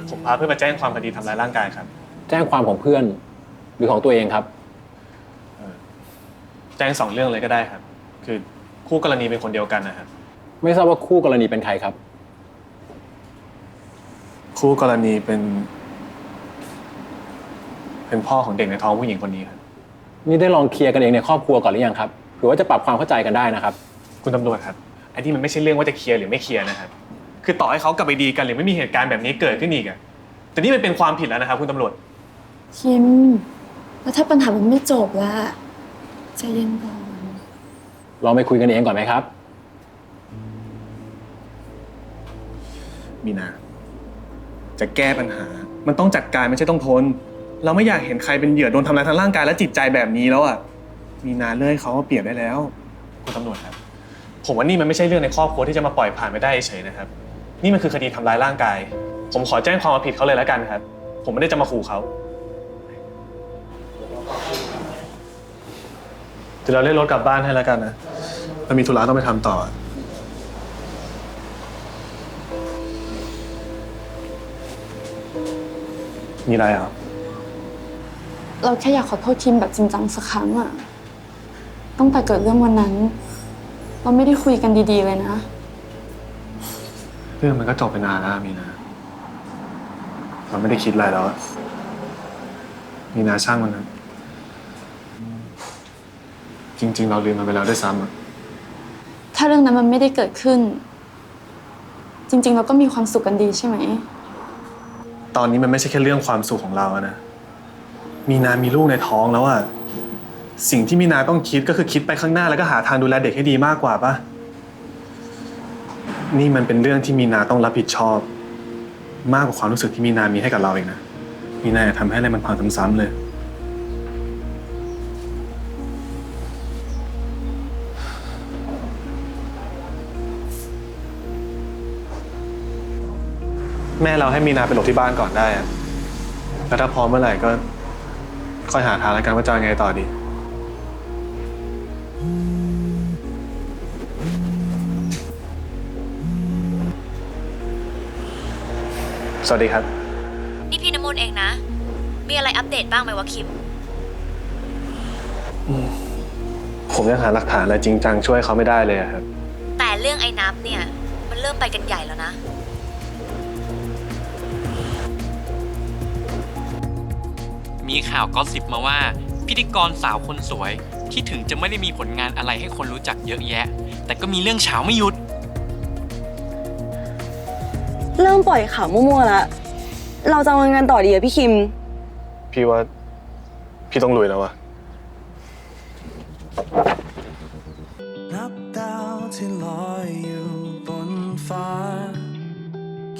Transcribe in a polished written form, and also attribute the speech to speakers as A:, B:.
A: ผมพาเพื่อนมาแจ้งความคดีทำร้ายร่างกายครับ
B: แจ้งความของเพื่อนหรือของตัวเองครับ
A: แจ้ง2 เรื่องเลยก็ได้ครับคือคู่กรณีเป็นคนเดียวกันนะครับ
B: ไม่ทราบว่าคู่กรณีเป็นใครครับ
A: คู่กรณีเป็นพ่อของเด็กในท้องผู้หญิงคนนี้ครับ
B: นี่ได้ลองเคลียร์กันเองในครอบครัวก่อนหรือยังครับหรือว่าจะปรับความเข้าใจกันได้นะครับ
A: คุณตำรวจครับไอ้ที่มันไม่ใช่เรื่องว่าจะเคลียร์หรือไม่เคลียร์นะครับคือต่อให้เขากลับไปดีกันหรือไม่มีเหตุการณ์แบบนี้เกิดขึ้นอีกอะแต่นี่มันเป็นความผิดแล้วนะครับคุณตำรวจ
C: คิมแล้วถ้าปัญหามันไม่จบล่ะใจเย็นก่อน
B: ลองไปคุยกันเองก่อนไหมครับ
A: มีนาจะแก้ปัญหามันต้องจัดการไม่ใช่ต้องทนเราไม่อยากเห็นใครเป็นเหยื่อโดนทำร้ายทางร่างกายและจิตใจแบบนี้แล้วอ่ะมีนาเลื่อยเขาเปรียบได้แล้วคุณตำรวจครับผมว่านี่มันไม่ใช่เรื่องในครอบครัวที่จะมาปล่อยผ่านไปได้เฉยนะครับนี่มันคือคดีทำร้ายร่างกายผมขอแจ้งความเอาผิดเขาเลยแล้วกันครับผมไม่ได้จะมาขู่เขาเดี๋ยวเราเรียกรถกลับบ้านให้แล้วกันนะเรามีธุระต้องไปทำต่อมีอะไรอ่ะ
C: เราแค่อยากขอโทษคิมแบบจริงจังสักครั้งอะตั้งแต่เกิดเรื่องวันนั้นเราไม่ได้คุยกันดีๆเลยนะ
A: เรื่องมันก็จบไปนานแล้วมีนาเราไม่ได้คิดอะไรแล้วมีนาช่างมันนะจริงๆเราลืมมันไปแล้วด้วยซ้ำอะ
C: ถ้าเรื่องนั้นมันไม่ได้เกิดขึ้นจริงๆเราก็มีความสุขกันดีใช่ไหม
A: ตอนนี้มันไม่ใช่แค่เรื่องความสุขของเราอะนะมีนามีลูกในท้องแล้วอะสิ่งที่มีนาต้องคิดก็คือคิดไปข้างหน้าแล้วก็หาทางดูแลเด็กให้ดีมากกว่าปะนี่มันเป็นเรื่องที่มีนาต้องรับผิดชอบมากกว่าความรู้สึกที่มีนามีให้กับเราเองนะมีนาอย่าทำให้อะไรมันพังซ้ำๆเลยแม่เราให้มีนาไปหลบที่บ้านก่อนได้อะแล้วถ้าพร้อมเมื่อไหร่ก็ค่อยหาทางแล้วกันว่าจะยังไงต่อดีสวัสดีครับ
D: นี่พี่น้ำมนต์เองนะ มีอะไรอัปเดตบ้างไหมวะคิม
A: ผมยังหาหลักฐานอะไรจริงจังช่วยเขาไม่ได้เลยครับ
D: แต่เรื่องไอ้นับเนี่ยมันเริ่มไปกันใหญ่แล้วนะ
E: มีข่าวก็สิบมาว่าพิธีกรสาวคนสวยที่ถึงจะไม่ได้มีผลงานอะไรให้คนรู้จักเยอะแยะแต่ก็มีเรื่องเฉาไม่หยุด
F: เริ่มปล่อยข่าวมั่วๆแล้วเราจะเอาเงินต่อดีอะพี่คิม
A: พี่ว่าพี่ต้องลุยแล้วอะ
G: นับดาวที่ลอยอยู่